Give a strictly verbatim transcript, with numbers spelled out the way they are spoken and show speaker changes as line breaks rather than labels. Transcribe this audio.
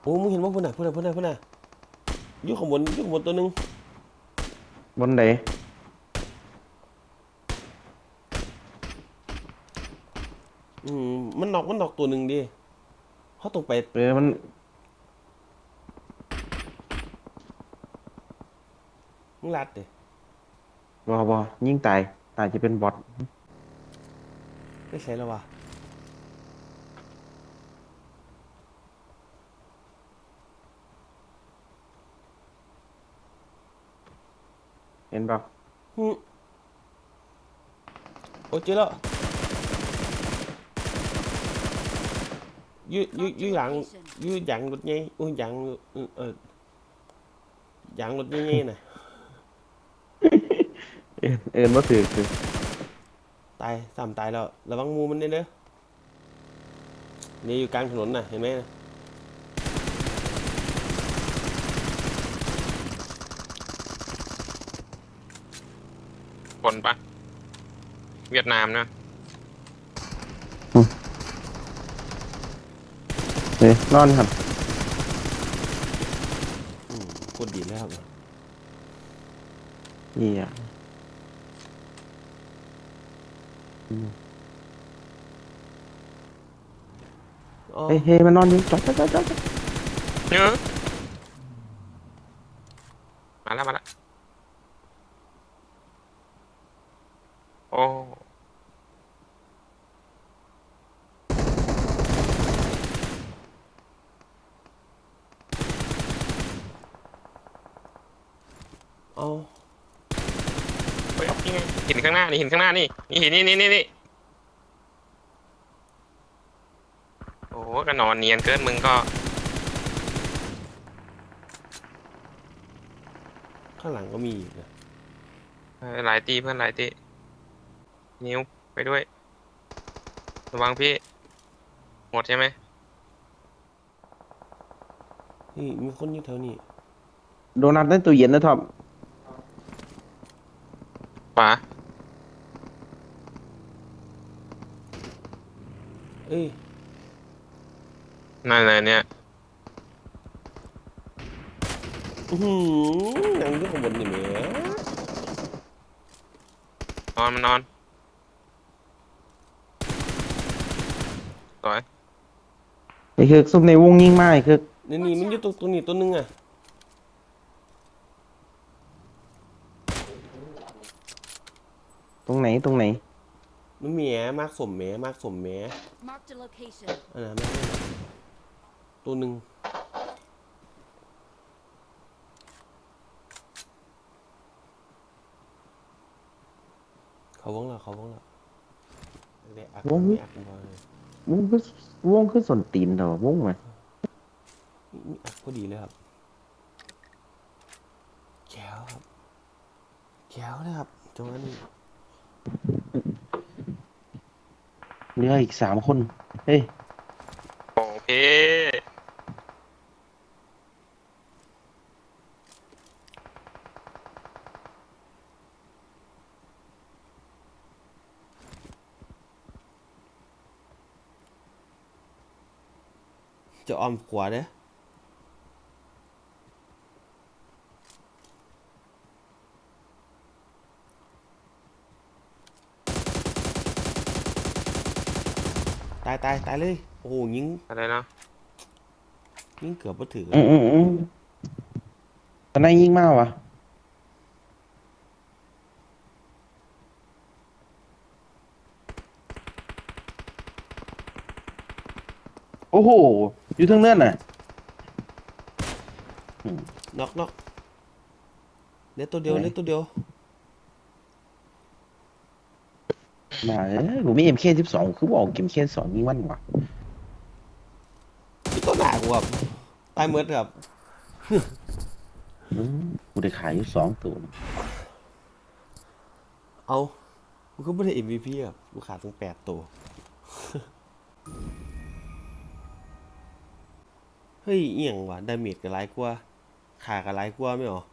โอ้มึงเห็นว่าพุ่นน่ะพุ่นน่ะพุ่นน่ะพุ่นน่ะอยู่ข้างบนอยู่ข้างบนตัวหนึง
บนไหน
อืมมันนอกมันนอกตัวหนึ่งดิเขาต้องไป
เออมัน
มึงลัดดิ
บอบอยิ่งตายตายจะเป็นบอท
ไม่ใช่แล้ววะ
เห็นเปล่า
ฮึโอ้เจอแล้วอยู่อยู่อยู่หลังอยู่หลังรถไงอุ้ยหลังเออเออหลังรถไงๆน่ะ
เอ็นเอ็นว่าถือคือ
ตายสามตายแล้วระวังงูมันเด้อเด้อนี่อยู่กลางถนนน่ะเห็นไหมน่ะ
คนปะเวียดนามนะ
เฮ้ยนอนครับ
อืมโคตรดีเลยครับ
นี่อ่ะอืม
อ๋อ
เฮ้ยเฮ้ยมันนอนอยู่จอดจอดจอดจอด
เนอะมาแล้วมาแล้วโอ้
เอา
เฮ้ยนี่ไงหินข้างหน้านี่หินข้างหน้านี่นี่หินนี่นี่นี่นี่โอ้โหก็นอนเนียนเกินมึงก็
ข้างหลังก็มีอีกนะ
เออหลายตีเพื่อนหลายตีนิ้วไปด้วยระวังพี่หมดใช่ไหม
นี่มีคนอยู่แถวนี้
โดนัทในตู้เย็นนะท็อป
ขวา
เอ้ย
นั่นเลยเนี่ย
อือหือหนังอยู่ข้างบนนี่แหม
นอนมันนอนสวย
ไอ้คือซุปในวงยิ่งมากไอ้คือ
นี่นี่มันอยู่ตรงตรงนี้ตัวหนึงอ่ะ
ตรงไหนตรงไหน
มันแหมมากสมแหมมากสมแหม
Marked a location.
อันนั้นไม่ได้ตัวหนึ่งเขาวงแล้วเขาวงแล้วเด็กอัก
วง
มีอักบอเลยว
งคือวงคือส่วนตีนเถอะวงไหม
มีอักพอดีเลยครับแก้วครับแก้วเลยครับจังหวะนี้
เหลืออีกสามคนเฮ้ย
โอเค
จะออมขวาเด้อตายตายตายเลยโอ้โหยิง
อะไรเนาะ
ยิงเกือบมาถึง
อืมอืมอืมตอนนั้นยิ่งมากวะโอ้โหอยู่ทั้งเนื่อนน่ะอืม
น็อกน็อกเล็ดตัวเดียวเล็ดตัวเดียว
มาเอ้ยกูมีเอ็มเคสิบสองคือบอกเอ็มเคสองนี่มันวะ
มีตัวหนากูครับตายเมือดครับ
อืมกูได้ขายอยู่สองตัวนะ
เอากูก็ไม่ได้ เอ็ม วี พี ครับกูขาดถึงแปดตัว เฮ้ยเอียงว่ะดาเมจก็หลายกว่าขาก็หลายกว่าไม่หรอ